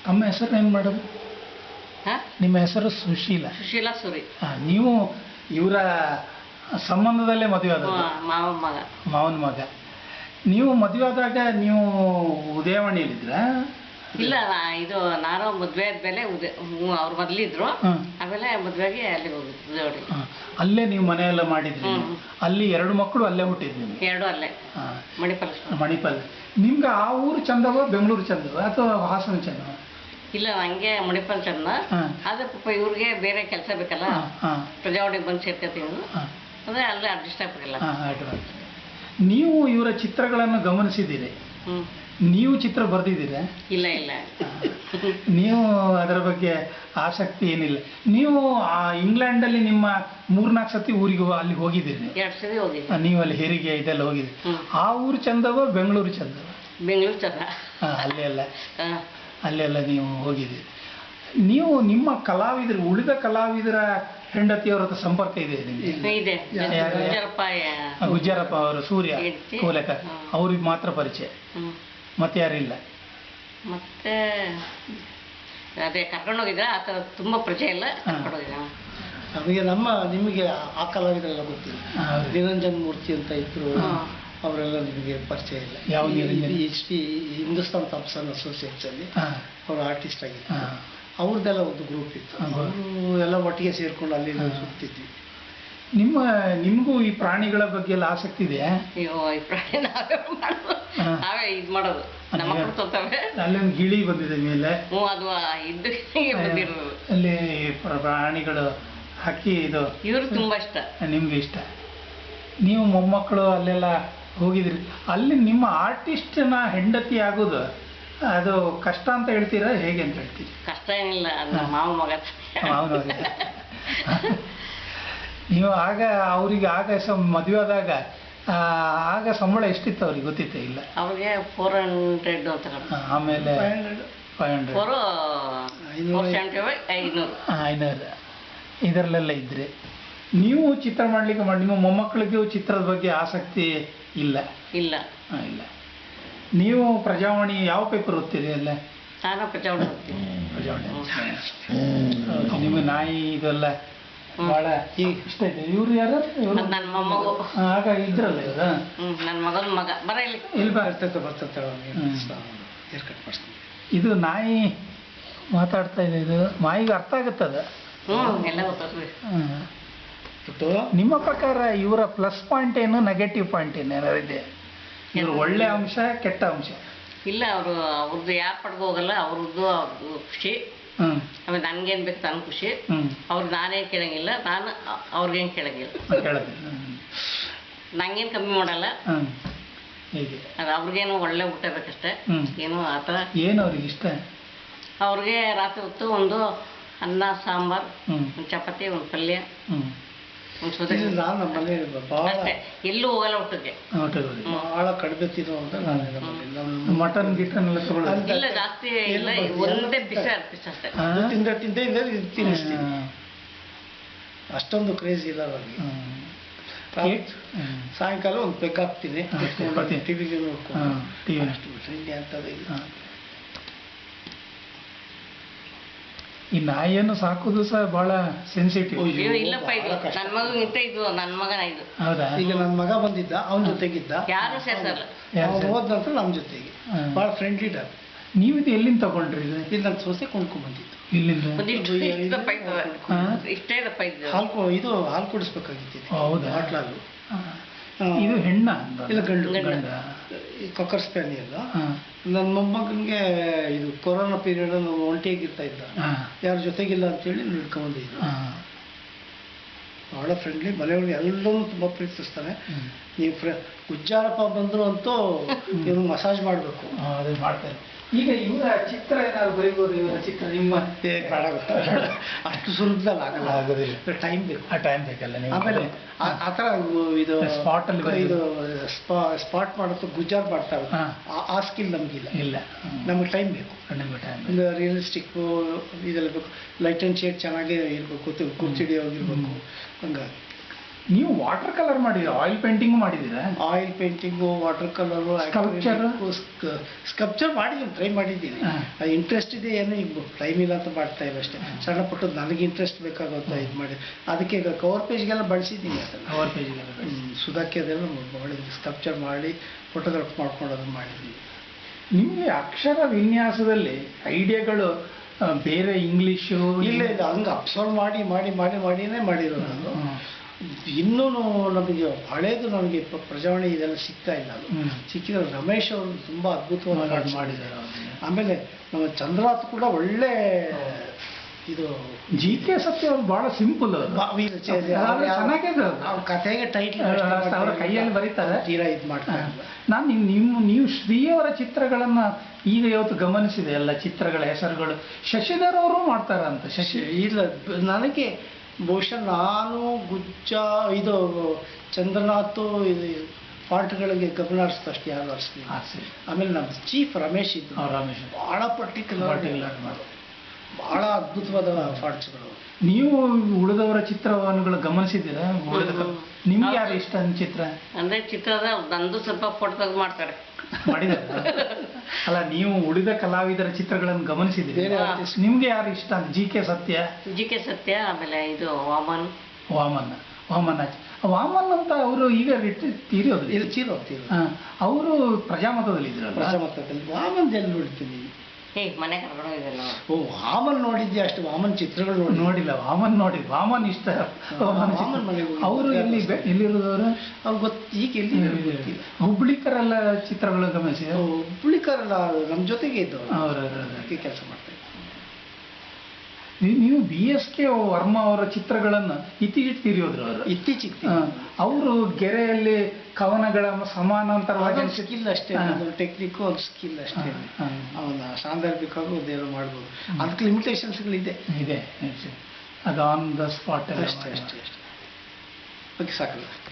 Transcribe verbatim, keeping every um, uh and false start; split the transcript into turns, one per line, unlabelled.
ತಮ್ಮ ಹೆಸರು ಏನು ಮೇಡಮ್?
ಹಾಂ,
ನಿಮ್ಮ ಹೆಸರು ಸುಶೀಲ.
ಸುಶೀಲಾ ಸುರಿ.
ಹಾಂ, ನೀವು ಇವರ ಸಂಬಂಧದಲ್ಲೇ ಮದುವೆ ಆದ
ಮಾವ ಮಗ.
ಮಾವನ ಮಗ. ನೀವು ಮದುವೆ ಆದಾಗ ನೀವು ಉದಯವಾಣಿಯಲ್ಲಿದ್ರ?
ಇಲ್ಲ, ಇದು ನಾನು ಮದುವೆ ಆದ್ಮೇಲೆ ಉದಯ ಅವ್ರು ಮೊದಲಿದ್ರು, ಆಮೇಲೆ ಮದುವೆಗೆ ಅಲ್ಲಿ ಹೋಗಿದ್ದು ಉದಯವಾಡಿ.
ಅಲ್ಲೇ ನೀವು ಮನೆಯೆಲ್ಲ ಮಾಡಿದ್ರಿ? ಅಲ್ಲಿ ಎರಡು ಮಕ್ಕಳು ಅಲ್ಲೇ ಹುಟ್ಟಿದ್ ನಿಮ್ಗೆ?
ಎರಡು ಅಲ್ಲೇ, ಮಣಿಪಾಲ.
ಮಣಿಪಾಲ. ನಿಮ್ಗೆ ಆ ಊರು ಚಂದವ ಬೆಂಗಳೂರು ಚಂದವ ಅಥವಾ ಹಾಸನ ಚಂದವ?
ಇಲ್ಲ, ನಂಗೆ ಮಣಿಪಾಲ ಚಂದ. ಆದ್ರೆ ಪಾಪ ಇವ್ರಿಗೆ ಬೇರೆ ಕೆಲಸ ಬೇಕಲ್ಲ, ಪ್ರಜಾವಾಣಿಗೆ ಬಂದು ಸೇರ್ಕೊತೀವಿ ಅಂದ್ರೆ ಅಲ್ಲೇ ಅಡ್ಜಸ್ಟ್ ಆಗ್ಬೇಕಲ್ಲ.
ನೀವು ಇವರ ಚಿತ್ರಗಳನ್ನು ಗಮನಿಸಿದ್ದೀರಿ? ನೀವು ಚಿತ್ರ ಬರ್ದಿದ್ದೀರಾ?
ಇಲ್ಲ ಇಲ್ಲ,
ನೀವು ಅದರ ಬಗ್ಗೆ ಆಸಕ್ತಿ ಏನಿಲ್ಲ. ನೀವು ಇಂಗ್ಲೆಂಡಲ್ಲಿ ನಿಮ್ಮ ಮೂರ್ನಾಲ್ಕು ಸತಿ ಊರಿಗೆ ಅಲ್ಲಿ ಹೋಗಿದ್ದೀರಿ?
ಎರಡು ಸತಿ ಹೋಗಿದ್ದೀರಿ.
ನೀವು ಅಲ್ಲಿ ಹೆರಿಗೆ ಇದೆಲ್ಲ ಹೋಗಿದ್ದೀರಿ. ಆ ಊರು ಚಂದವ ಬೆಂಗಳೂರು ಚಂದವ?
ಬೆಂಗಳೂರು ಚಂದ.
ಹಾಂ, ಅಲ್ಲೆಲ್ಲ ಅಲ್ಲೆಲ್ಲ ನೀವು ಹೋಗಿದ್ದೀರಿ. ನೀವು ನಿಮ್ಮ ಕಲಾವಿದರು, ಉಳಿದ ಕಲಾವಿದರ ಹೆಂಡತಿಯವರ ಹತ್ರ ಸಂಪರ್ಕ ಇದೆ ನಿಮಗೆ?
ಇದೆ.
ಗುಜ್ಜರಪ್ಪ ಅವರು, ಸೂರ್ಯ ಕೋಲಕ, ಅವ್ರಿಗೆ ಮಾತ್ರ ಪರಿಚಯ, ಮತ್ತೆ ಯಾರಿಲ್ಲ?
ಮತ್ತೆ ಅದೇ ಕರ್ಕೊಂಡೋಗಿದ್ರೆ ಆ ಥರ ತುಂಬ ಪರಿಚಯ ಇಲ್ಲ, ಕರ್ಕೊಂಡೋಗಿದ್ದ.
ನಮಗೆ ನಮ್ಮ ನಿಮಗೆ ಆ ಕಲಾವಿದರೆಲ್ಲ ಗೊತ್ತಿಲ್ಲ. ನಿರಂಜನ್ ಮೂರ್ತಿ ಅಂತ ಇದ್ರು, ಅವರೆಲ್ಲ ನಿಮಗೆ ಪರಿಚಯ ಇಲ್ಲ.
ಯಾವ
ಎಚ್ ಟಿ ಹಿಂದೂಸ್ತಾನ್ ಥಾಮ್ಸನ್ ಅಸೋಸಿಯೇಟ್ಸಲ್ಲಿ ಅವರು ಆರ್ಟಿಸ್ಟ್ ಆಗಿದ್ರು. ಅವ್ರದ್ದೆಲ್ಲ ಒಂದು ಗ್ರೂಪ್ ಇತ್ತು, ಅವರು ಎಲ್ಲ ಒಟ್ಟಿಗೆ ಸೇರ್ಕೊಂಡು ಅಲ್ಲಿ ಸುತ್ತಿದ್ವಿ.
ನಿಮ್ಮ ನಿಮಗೂ ಈ ಪ್ರಾಣಿಗಳ ಬಗ್ಗೆ ಎಲ್ಲ ಆಸಕ್ತಿ ಇದೆಯಾ?
ಅಯ್ಯೋ, ಈ ಪ್ರಾಣಿ ನಾವೇ ಮಾಡೋದು, ನಾವೇ ಇದು ಮಾಡೋದು, ನಮ್ಮ ಮಕ್ಕಳು ತೊತ್ತವೆ.
ಅಲ್ಲೊಂದು ಗಿಳಿ ಬಂದಿದೆ ಮೇಲೆ.
ಹ್ಞೂ, ಅದು ಇದ್ದು ಬಂದಿರೋದು.
ಅಲ್ಲಿ ಪ್ರಾಣಿಗಳು, ಹಕ್ಕಿ, ಇದು
ಇವ್ರಿಗೆ ತುಂಬ ಇಷ್ಟ.
ನಿಮ್ಗೆ ಇಷ್ಟ. ನೀವು ಮೊಮ್ಮಕ್ಕಳು ಅಲ್ಲೆಲ್ಲ ಹೋಗಿದ್ರಿ. ಅಲ್ಲಿ ನಿಮ್ಮ ಆರ್ಟಿಸ್ಟ್ನ ಹೆಂಡತಿ ಆಗೋದು ಅದು ಕಷ್ಟ ಅಂತ ಹೇಳ್ತೀರಾ, ಹೇಗೆ ಅಂತ ಹೇಳ್ತೀರಿ?
ಕಷ್ಟ ಏನಿಲ್ಲ, ಮಾವ ಮಗ.
ಮಾವನ ಮಗ. ನೀವು ಆಗ ಅವರಿಗೆ ಆಗ ಸ ಮದುವೆ ಆದಾಗ ಆಗ ಸಂಬಳ ಎಷ್ಟಿತ್ತು ಅವ್ರಿಗೆ ಗೊತ್ತಿತ್ತೆ? ಇಲ್ಲ,
ಅವ್ರಿಗೆ ಫೋರ್ ಹಂಡ್ರೆಡ್ ಅಂತ.
ಆಮೇಲೆ ಫೈವ್ ಹಂಡ್ರೆಡ್
ಫೋರು ಐನೂರು
ಐನೂರು ಇದರಲ್ಲೆಲ್ಲ ಇದ್ರಿ. ನೀವು ಚಿತ್ರ ಮಾಡಲಿಕ್ಕೆ ಮಾಡಿ ನಿಮ್ಮ ಮೊಮ್ಮಕ್ಕಳಿಗೂ ಚಿತ್ರದ ಬಗ್ಗೆ ಆಸಕ್ತಿ ಇಲ್ಲ?
ಇಲ್ಲ
ಇಲ್ಲ. ನೀವು ಪ್ರಜಾವಾಣಿ ಯಾವ ಪೇಪರ್ ಓದ್ತೀರಿ? ಅಲ್ಲ,
ನಾನು ಪ್ರಜಾವಾಣಿ ಓದ್ತೀನಿ.
ಪ್ರಜಾವಾಣಿ. ನಿಮಗೆ ನಾಯಿ ಇದೆಲ್ಲ ಭಾಳ ಇಷ್ಟ ಇದೆ. ಇವ್ರು ಯಾರು?
ನನ್ನ ಮೊಮ್ಮಗು.
ಆಗ ಇದ್ರಲ್ಲ ಇವ್ರು?
ಹ್ಞೂ, ನನ್ನ ಮಗನ ಮಗ. ಬರ ಇಲ್ಲಿ
ಇಲ್ಲಿ ಬರ್ತೈತೆ ಬರ್ತೈತೆ. ಇದು ನಾಯಿ ಮಾತಾಡ್ತಾ ಇದೆ, ಇದು ನಾಯಿಗೆ ಅರ್ಥ ಆಗುತ್ತದ?
ಹ್ಞೂ, ಎಲ್ಲ ಗೊತ್ತಾಗ್ತದೆ.
ನಿಮ್ಮ ಪ್ರಕಾರ ಇವರ ಪ್ಲಸ್ ಪಾಯಿಂಟ್ ಏನು, ನೆಗೆಟಿವ್ ಪಾಯಿಂಟ್ ಏನು ಏನಾರು ಇದೆ? ಇವರು ಒಳ್ಳೆ ಅಂಶ, ಕೆಟ್ಟ ಅಂಶ? ಇಲ್ಲ,
ಅವರು ಅವ್ರದ್ದು ಯಾರು ಪಡ್ಕೊ ಹೋಗಲ್ಲ, ಅವ್ರದ್ದು ಅವ್ರದ್ದು ಖುಷಿ. ಆಮೇಲೆ ನನ್ಗೇನು ಬೇಕು ನನ್ನ ಖುಷಿ. ಅವ್ರು ನಾನೇನು ಕೇಳಂಗಿಲ್ಲ, ನಾನು ಅವ್ರಿಗೇನು ಕೇಳಂಗಿಲ್ಲ. ನಂಗೇನು ಕಮ್ಮಿ ಮಾಡಲ್ಲ. ಅದು ಅವ್ರಿಗೇನು ಒಳ್ಳೆ ಊಟ ಬೇಕಷ್ಟೇ. ಏನು ಆ ಥರ. ಏನು ಅವ್ರಿಗೆ ಇಷ್ಟ? ಅವ್ರಿಗೆ ರಾತ್ರಿ ಹೊತ್ತು ಒಂದು ಅನ್ನ ಸಾಂಬಾರು, ಒಂದು ಚಪಾತಿ, ಒಂದು ಪಲ್ಯ, ಒಂದು ಸೌದೆ.
ನಾನು ನಮ್ಮ ಮನೆ
ಅಷ್ಟೇ, ಎಲ್ಲೂ ಹೋಗಲ್ಲ ಊಟಕ್ಕೆ.
ಭಾಳ ಕಡಿಮೆ ತಿನ್ನೋ ಅಂತ ನಾನು
ಮಟನ್ ಗಿಟನ್ ಎಲ್ಲ ತಗೊಳ್ಳೋದು
ಇಲ್ಲ, ಜಾಸ್ತಿ ಇಲ್ಲ, ಒಂದೇ ಬಿಸಿ ಅರ್ಪಿಸ್ ಅಷ್ಟೇ.
ತಿಂದ ತಿಂದ ತಿನ್ನಿಸ್ತೀನಿ, ಅಷ್ಟೊಂದು ಕ್ರೇಜ್ ಇಲ್ಲ ಅವ್ರಿಗೆ. ಸಾಯಂಕಾಲ ಒಂದು ಪೆಗ್ ಹಾಕ್ತೀನಿ, ಟಿವಿಗೆ ನೋಡ್ಕೊಂಡು ಟಿವಿ ಅಷ್ಟು ಬಿಟ್ಟರೆ ಇಲ್ಲಿ ಅಂಥದ್ದು ಇಲ್ಲ. ಈ ನಾಯಿಯನ್ನು ಸಾಕೋದು ಸಹ ಬಹಳ ಸೆನ್ಸಿಟಿವ್.
ಇಲ್ಲಪ್ಪ, ಇದು ನನ್ನ ಮಗನಿಂತ ಇದು ನನ್ನ ಮಗನ. ಇದು
ಹೌದಾ?
ಈಗ ನನ್ನ ಮಗ ಬಂದಿದ್ದ, ಅವನ ಜೊತೆಗಿದ್ದ,
ಯಾರು ಸೇರ್ಸಲ್ಲ.
ಹೋದ ನಂತರ ನಮ್ಮ ಜೊತೆಗೆ ಭಾಳ ಫ್ರೆಂಡ್ಲಿ ಡಾಗ್.
ನೀವು ಇದು ಎಲ್ಲಿಂದ ತಗೊಂಡ್ರಿ?
ಇಲ್ಲಿ ನನ್ನ ಸೊಸೆ ಕೊಂಡ್ಕೊಂಡ್ ಬಂದಿದ್ದು.
ಇಲ್ಲಿಂದ?
ಇಷ್ಟೇ ದಪ್ಪ ಇದ್ದು.
ಹಾಲು ಇದು ಹಾಲು ಕುಡಿಸ್ಬೇಕಾಗಿತ್ತು.
ಹೌದಾ?
ಹಾಟ್ಲಾಗು.
ಇದು ಹೆಣ್ಣ?
ಇಲ್ಲ, ಗಂಡು. ಗಂಡ. ಈ ಕಾಕರ್ ಸ್ಪ್ಯಾನಿಯಲ್. ನನ್ನ ಮೊಮ್ಮಗನಿಗೆ ಇದು ಕೊರೋನಾ ಪೀರಿಯಡ್ ನಾವು ಒಂಟಿಯಾಗಿರ್ತಾ ಇದ್ದ, ಯಾರ ಜೊತೆಗಿಲ್ಲ ಅಂತೇಳಿ ನಿಡ್ಕೊಂಬಂದಿದ್ದು. ಭಾಳ ಫ್ರೆಂಡ್ಲಿ, ಮನೆಯೊಳಗೆ ಎಲ್ಲರೂ ತುಂಬ ಪ್ರೀತಿಸ್ತಾನೆ. ನೀವು ಫ್ರೆ ಗುಜ್ಜಾರಪ್ಪ ಬಂದರು ಅಂತೂ ನೀವು ಮಸಾಜ್ ಮಾಡಬೇಕು.
ಅದು ಮಾಡ್ತಾರೆ. ಈಗ ಇವರ ಚಿತ್ರ ಏನಾದ್ರು ಬರೀಬೋದು? ಇವರ ಚಿತ್ರ ನಿಮ್ಮ
ಬೇಡ, ಅಷ್ಟು ಸುಲಭದಲ್ಲಿ ಆಗಲ್ಲ, ಆಗೋದಿಲ್ಲ, ಟೈಮ್ ಬೇಕು.
ಆ ಟೈಮ್ ಬೇಕಲ್ಲ. ನೀವು
ಆಮೇಲೆ ಆ ಥರ ಇದು
ಸ್ಪಾಟಲ್ಲಿ
ಇದು ಸ್ಪಾ ಸ್ಪಾಟ್ ಮಾಡೋದು ಗುಜ್ಜಾರ್ ಮಾಡ್ತಾರೆ, ಆ ಸ್ಕಿಲ್ ನಮಗಿಲ್ಲ.
ಇಲ್ಲ,
ನಮಗೆ ಟೈಮ್ ಬೇಕು. ಒಂದು ರಿಯಲಿಸ್ಟಿಕ್ಕು ಇದೆಲ್ಲ ಬೇಕು. ಲೈಟ್ ಆ್ಯಂಡ್ ಶೇಡ್ ಚೆನ್ನಾಗೇ ಇರಬೇಕು, ಕುರ್ಚಿಡಿ ಹೋಗಿರ್ಬೇಕು. ಹಂಗಾಗಿ
ನೀವು ವಾಟರ್ ಕಲರ್ ಮಾಡಿದ್ದೀರಾ, ಆಯಿಲ್ ಪೇಂಟಿಂಗ್ ಮಾಡಿದ್ದೀರಾ?
Oil painting, water colour,
sculpture
sculpture ಮಾಡಿದ್ದೀನಿ, ಟ್ರೈ ಮಾಡಿದ್ದೀನಿ. ಅದು ಇಂಟ್ರೆಸ್ಟ್ ಇದೆ, ಏನೋ ಈಗ ಟೈಮ್ ಇಲ್ಲ ಅಂತ ಮಾಡ್ತಾ ಇಲ್ಲ ಅಷ್ಟೇ. ಸಣ್ಣ ಪುಟ್ಟದ್ದು ನನಗೆ ಇಂಟ್ರೆಸ್ಟ್ ಬೇಕಾಗುತ್ತೆ ಇದು ಮಾಡಿ. ಅದಕ್ಕೆ ಈಗ ಕವರ್ ಪೇಜ್ಗೆಲ್ಲ ಬಳಸಿದ್ದೀನಿ ಅದನ್ನು.
ಕವರ್ ಪೇಜ್ಗೆಲ್ಲ
ಸುಧಾಕಿ ಅದೆಲ್ಲ ಮಾಡಿದ್ದೀನಿ, ಸ್ಕಲ್ಪ್ಚರ್ ಮಾಡಿ ಫೋಟೋಗ್ರಾಫ್ ಮಾಡ್ಕೊಂಡು ಅದನ್ನು ಮಾಡಿದ್ದೀನಿ.
ನಿಮಗೆ ಅಕ್ಷರ ವಿನ್ಯಾಸದಲ್ಲಿ ಐಡಿಯಾಗಳು ಬೇರೆ ಇಂಗ್ಲೀಷು
ಇಲ್ಲ ಇಲ್ಲ ಹಂಗೆ ಅಬ್ಸರ್ವ್ ಮಾಡಿ ಮಾಡಿ ಮಾಡಿ ಮಾಡಿನೇ ಮಾಡಿರೋದು ನಾನು. ಇನ್ನೂ ನಮಗೆ ಹಳೇದು ನನಗೆ ಪ್ರಜಾವಾಣಿ ಇದೆಲ್ಲ ಸಿಗ್ತಾ ಇಲ್ಲ. ಅದು ಸಿಕ್ಕಿದ್ರೆ ರಮೇಶ್ ಅವರು ತುಂಬ ಅದ್ಭುತವಾಗಿ ಮಾಡಿದ್ದಾರೆ. ಆಮೇಲೆ ನಮ್ಮ ಚಂದ್ರಾತ್ ಕೂಡ ಒಳ್ಳೆ ಇದು
ಜಿ ಕೆ ಸತ್ಯ ಅವ್ರು ಬಹಳ ಸಿಂಪಲ್, ಚೆನ್ನಾಗಿದೆ.
ಕಥೆಗೆ ಟೈಟ್ಲ್
ಅವರ ಕೈಯಲ್ಲಿ ಬರೀತಾರೆ,
ತೀರಾ ಇದು ಮಾಡ್ತಾರೆ.
ನಾನು ನಿಮ್ಮ ನೀವು ಶ್ರೀಯವರ ಚಿತ್ರಗಳನ್ನ ಈಗ ಇವತ್ತು ಗಮನಿಸಿದೆ, ಎಲ್ಲ ಚಿತ್ರಗಳ ಹೆಸರುಗಳು ಶಶಿಧರ್ ಅವರು ಮಾಡ್ತಾರಂತ. ಶಶಿ
ಇಲ್ಲ, ನನಗೆ ಬಹುಶಃ ನಾನು ಗುಜ್ಜ ಇದು ಚಂದ್ರನಾಥ್ ಇದು ಪಾಠಗಳಿಗೆ ಗಮನ ಹರಿಸ್ತು ಅಷ್ಟು ಯಾರು ಹರಿಸ್ಲಿ. ಆಮೇಲೆ ನಮ್ಮ ಚೀಫ್ ರಮೇಶ್ ಇದ್ರು,
ರಮೇಶ್
ಭಾಳ ಪರ್ಟಿಕ್ಯುಲರ್ ಪರ್ಟಿಕ್ಯುಲರ್ ಮಾಡೋದು, ಭಾಳ ಅದ್ಭುತವಾದ ಫಾಂಟ್ಸ್ಗಳು.
ನೀವು ಉಳಿದವರ ಚಿತ್ರವನ್ನು ಗಮನಿಸಿದ್ದೀರಾ? ಉಳಿದ ನಿಮ್ಗೆ ಯಾರು ಇಷ್ಟ ಚಿತ್ರ?
ಅಂದ್ರೆ ಚಿತ್ರದ ನಂದು ಸ್ವಲ್ಪ ಫೋಟೋ ತೆಗೆದು ಮಾಡ್ತಾರೆ
ಮಾಡಿದ್ದಾರೆ. ಅಲ್ಲ, ನೀವು ಉಳಿದ ಕಲಾವಿದರ ಚಿತ್ರಗಳನ್ನು ಗಮನಿಸಿದ್ದೀರಿ, ನಿಮ್ಗೆ ಯಾರು ಇಷ್ಟ ಅಂತ? G K Sathya,
G K Sathya, ಆಮೇಲೆ ಇದು ವಾಮನ್
ವಾಮನ್ ವಾಮನ್ ವಾಮನ್ ಅಂತ ಅವರು ಈಗ ತೀರೋದು
ಇಲ್ಲಿ ಚೀರೋ ತೀರೋ
ಅವರು ಪ್ರಜಾಮತದಲ್ಲಿ ಇದ್ರಲ್ಲ.
ಪ್ರಜಾಮತದಲ್ಲಿ ವಾಮನ್ ಎಲ್ಲಿ ನೋಡ್ತೀನಿ?
ಏ ಮನೆ ಕರ್ಕೊಂಡು ಹೋಗಿದ್ದಲ್ಲ.
ಓ ವಾಮನ್ ನೋಡಿದ್ದೆ ಅಷ್ಟು, ವಾಮನ್ ಚಿತ್ರಗಳು ನೋಡಿ
ನೋಡಿಲ್ಲ. ವಾಮನ್ ನೋಡಿದ್, ವಾಮನ್ ಇಷ್ಟ.
ವಾಮನ್ ಮನೆ
ಅವರು ಎಲ್ಲಿ ಎಲ್ಲಿರೋದು ಅವರು?
ಅವ್ರು ಗೊತ್ತು, ಈಗ ಎಲ್ಲಿ ಗೊತ್ತಿಲ್ಲ.
ಹುಬ್ಳಿಕರೆಲ್ಲ ಚಿತ್ರಗಳು ಗಮನಿಸಿದ?
ಹುಬ್ಳಿಕರೆಲ್ಲ ನಮ್ಮ ಜೊತೆಗೆ ಇದ್ದವರು,
ಅವರ
ಕೆಲಸ ಮಾಡ್ತಾರೆ.
ನೀವು ಬಿ ಎಸ್ ಕೆ ವರ್ಮಾ ಅವರ ಚಿತ್ರಗಳನ್ನು ಇತ್ತೀಚೆಗೆ ತೀರಿಯೋದ್ರು ಅವರು.
ಇತ್ತೀಚೆಗೆ
ಅವರು ಗೆರೆಯಲ್ಲಿ ಕವನಗಳ ಸಮಾನಾಂತರವಾಗಿ
ಸ್ಕಿಲ್ ಅಷ್ಟೇ, ಒಂದು ಟೆಕ್ನಿಕ್, ಒಂದು ಸ್ಕಿಲ್ ಅಷ್ಟೇ. ಅವನ ಸಾಂದರ್ಭಿಕವಾಗಿ ಒಂದೇನೋ ಮಾಡ್ಬೋದು, ಅದಕ್ಕೆ ಲಿಮಿಟೇಷನ್ಸ್ಗಳಿದೆ
ಇದೆ. ಅದು ಆನ್ ದ ಸ್ಪಾಟ್
ಅಷ್ಟೇ ಅಷ್ಟೇ ಅಷ್ಟೇ. ಓಕೆ, ಸಾಕಲ್ಲ.